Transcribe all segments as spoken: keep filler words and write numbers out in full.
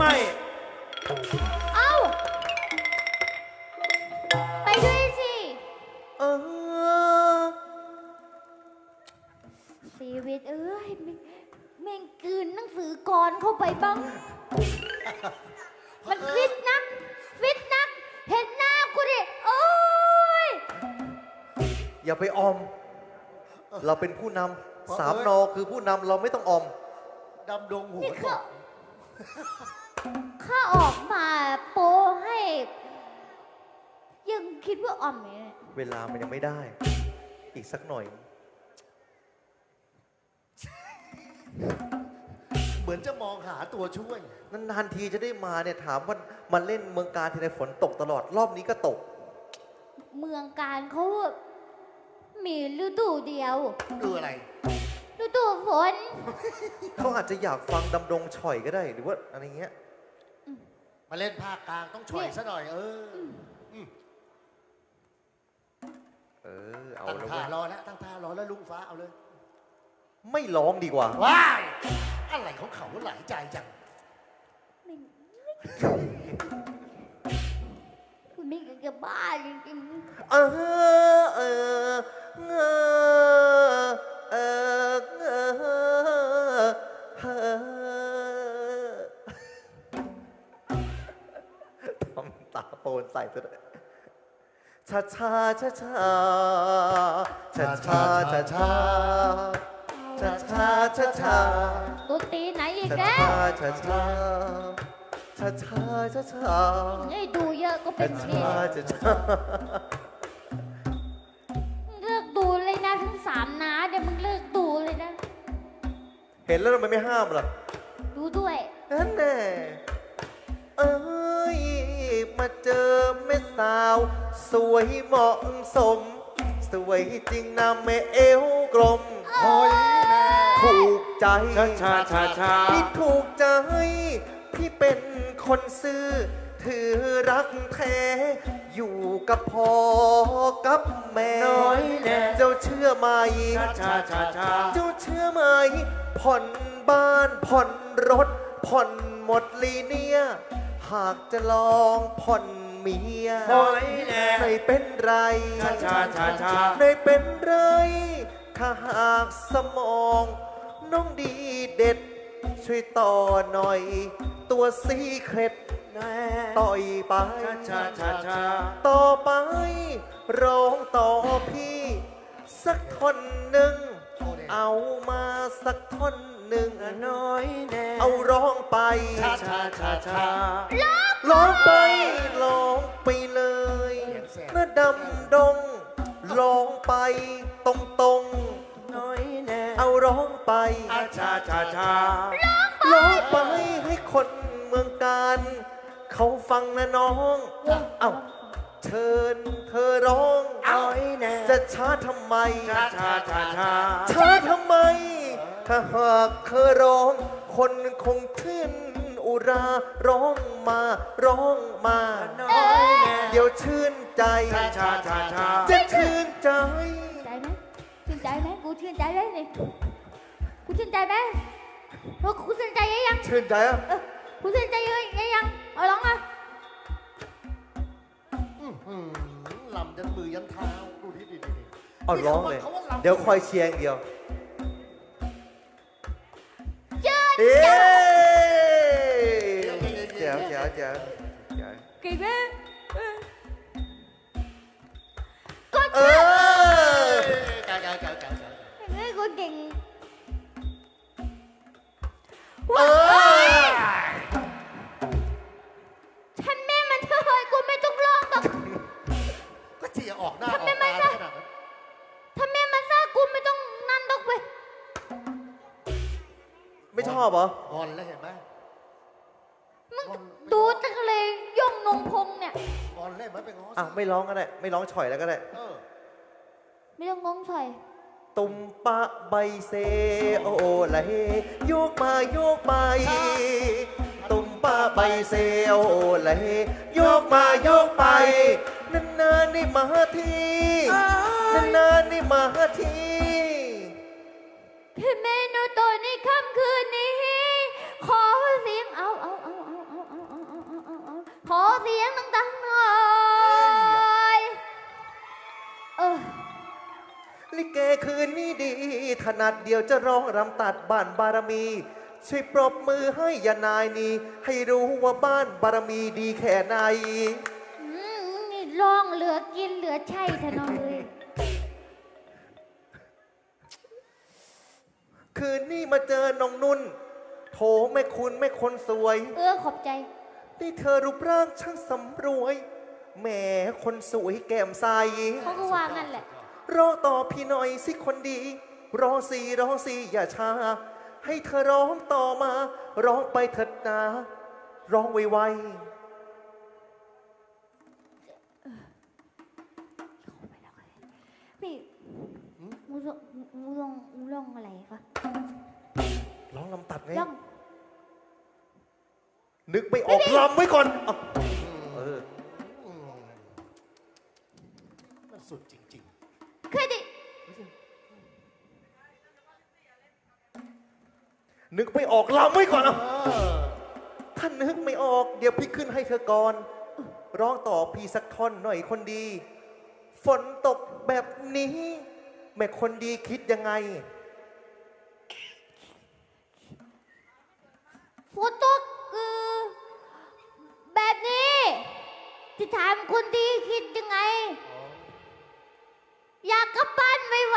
ไม่เอ้าไปด้วยสิเออชีวิตเอ้ยแม่งแม่งกลืนหนังสือกรเข้าไปบ้างมันฟิตนักฟิตนักเห็นหน้ากูดิโอ้ยอย่าไปออม เราเป็นผู้นำสามนอคือผู้นำเราไม่ต้องออมดำดงหัวนี่ข้าข้าออกมาโปให้ ยังคิดว่าอ่อมเนี่ยเวลามันยังไม่ได้ อีกสักหน่อยเหมือนจะมองหาตัวช่วยนานๆทีจะได้มาเนี่ยถามว่ามาเล่นเมืองการทีไรฝนตกตลอดรอบนี้ก็ตกเมืองการเขามีฤดูเดียวดูอะไรฤดูฝนเขาอาจจะอยากฟังดำดงฉ่อยก็ได้หรือว่าอะไรเงี้ยมาเล่นภาคกลางต้องฉ่อยซะหน่อยเออเออเอาตั้งแล้วท่ารอแล้วตั้งท่ารอแล้วลุงฟ้าเอาเลยไม่ร้องดีกว่าว้ายอะไรของเขาหลายใจจังคุณไม่เกี่ยวบ้าจริงๆเออเออเออเออเออทำตาโปนใส่ซะด้วยชาชาชาชาชาชาชาชาชาชาชาชาตัวตีไหนอีกแล้วชาชาชาชาชาชาไอ้ดูเยอะก็เป็นเชาชาชาเลิกดูเลยนะทั้งสามน้าเดี๋ยวมึงเลิกดูเลยนะเห็นแล้วทำไมไม่ห้ามล่ะดูด้วยนั่นแน่เอ้ยมาเจอแม่สาวสวยเหมาะสมสวยจริงนะแม่เอวกลมโอ้ยถูกใจชาชาชาชาพี่ถูกใจพี่เป็นคนซื่อถือรักแท้อยู่กับพ่อกับแม่น้อยแน่เจ้าเชื่อไหมชาชาชาเจ้าเชื่อไหมผ่อนบ้านผ่อนรถผ่อนหมดลีเนี่ยหากจะลองผ่อนเมียไม่เป็นไรชาชาชาชาไม่เป็นไรถ้าหากสมองน้องดีเด็ดช่วยต่อหน่อยตัวซีเคร็ดต่อยไปชาชาชาต่อไปร้องต่อพี่สักท่อนหนึ่งเอามาสักท่อนหนึ่งน้อยแน่เอาร้องไปชาชาชาชาร้องไปร้องไปเลยนะดำดงร้องไปตรงตรงน้อยแน่เอาร้องไปชาชาชาร้องไปให้คนเมืองการเขาฟังนะน้องเอ้าเชิญเธอร้องน้อยแน่จะช้าทำไมชาชาชาชาช้าทำไมถ้าหากเธอร้องคนคงชื่นอุราร้องมาร้องมาเดี๋ยวชื่นใจชาชาชาชาจะชื่นใจใจไหมชื่นใจไหมกูชื่นใจเลยนี่กูชื่นใจไหมเออกูชื่นใจยังชื่นใจอ่ะกูชื่นใจยังยังเอาร้องอ่ะลำยันมือยันเท้าดูดิดิดิเอาร้องเลยเดี๋ยวคอยเชียร์อย่างเดียวเอ๊เจ๋วเจ๋วเจ๋วเก่งไหมก็เออเก่งเก่งเก่งเก่งเฮ้ยกูเก่งเออฉันแม่มันเธอเลยกูไม่ต้องร้องหรอกก็เจียออกหน้าออกตาขนาดนั้นถ้าแม่มาซ่ากูไม่ต้องนั่นดอกเว้ยไม่ชอบเหรองอนแล้วเห็นไหมมึงดูจังเลยย่องนงพงเนี่ยงอนเลยมันเป็นงอนอ่ะไม่ร้องก็ได้ไม่ร้องฉ่อยแล้วก็ได้ไม่ต้องงงฉ่อยตุ่มปะใบเซโอไหลโยกมาโยกไปตุ่มปะใบเซโอไหลโยกมาโยกไปนานๆนี่มาทีนานๆนี่มาทีพี่เมนูตัวในค่ำคืนนี้ขอเสียงเอาเอาเอาเอาเอาขอเสียงดังๆหน่อย เออลิเกคืนนี้ดี ถนัดเดียวจะร้องรำตัดบ้านบารมี ช่วยปรบมือให้ยานายนี้ ให้รู้ว่าบ้านบารมีดีแค่ไหนอืมนี่ร้องเหลือกินเหลือใช่เถอะน้องเลยคืนนี้มาเจอน้องนุ่น โถแม่คุณแม่คนสวยเออขอบใจนี่เธอรูปร่างช่างสำรวยแหมคนสวยแก้มใสเขาก็ว่างั้นแหละรอต่อพี่หน่อยสิคนดี รอสีรอสีอย่าช้า ให้เธอร้องต่อมา ร้องไปเถิดนะ ร้องไวพี่มูลงมูลงมูลงอะไรคะๆร้องลำตัดไงล่องนึกไม่ออกลำไว้ก่อนเอาเอออืมมันสุดจริงเคยดินึกไม่ออกลำไว้ก่อนๆเอาเออถ้านึกไม่ออก เดี๋ยวพี่ขึ้นให้เธอก่อน ร้องต่อพี่สักท่อนหน่อยคนดี ฝนตกแบบนี้ แม่คนดีคิดยังไงฝนตกเออแบบนี้จะถามคนดีคิดยังไง อยากกลับบ้านไว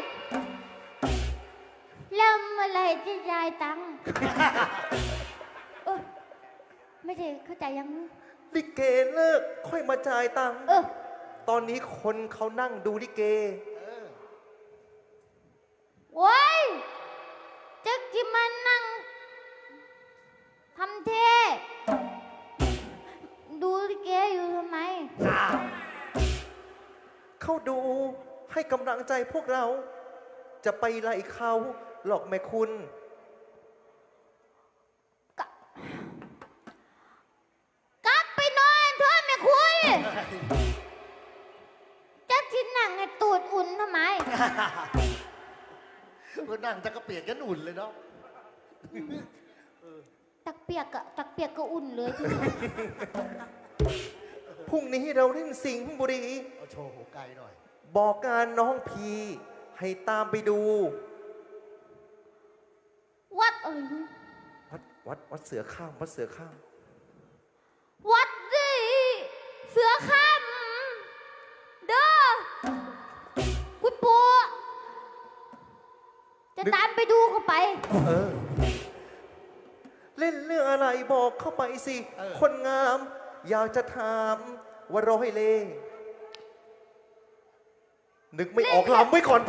ๆแล้วเมื่อไหรจะยายตังค์ เออไม่ได้เข้าใจยังลิเกเลิกค่อยมาจ่ายตังค์เออตอนนี้คนเขานั่งดูลิเกโว้ยจะกินมานั่งทำเท ดูลิเกอยู่ทำไมเขาดูให้กำลังใจพวกเรา จะไปไล่เขาหลอกแม่คุณกลับไปนอนเถอะแม่คุณจะกินหนังไอ้ตูดอุ่นทำไมเออนั่งจะกระเปียกกันอุ่นเลยเนาะตักเปียกอะตักเปียกก็อุ่นเลยทีเดียวพรุ่งนี้เราเล่นสิงห์บุรีเอาโชว์หัวไกลหน่อยบอกการน้องพี ให้ตามไปดูวัดอะไรนะวัดวัดวัดเสือข้ามวัดเสือข้ามวัดดิเสือข้ามเด้อคุณปู่จะตามไปดูเข้าไปเออ เล่นเรื่องอะไรบอกเข้าไปสิเออคนงาม อยากจะถามว่าร้อยเล่ห์นึกไม่ออกลำไว้ก่อน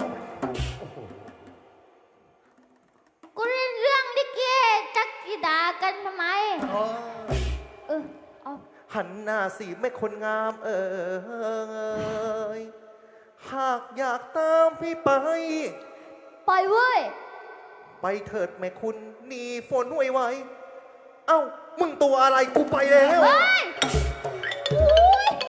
กูเล่นเรื่องลิเกจักกีดากันทำไมอ๋อเออ เอาหันหน้าสิแม่คนงาม เอ่ยหากอยากตามพี่ไปปล่อยเว้ยไปเถิดแม่คุณหนีฝนไวๆเอ้า มึงตัวอะไรกูไปแล้วเฮ้ย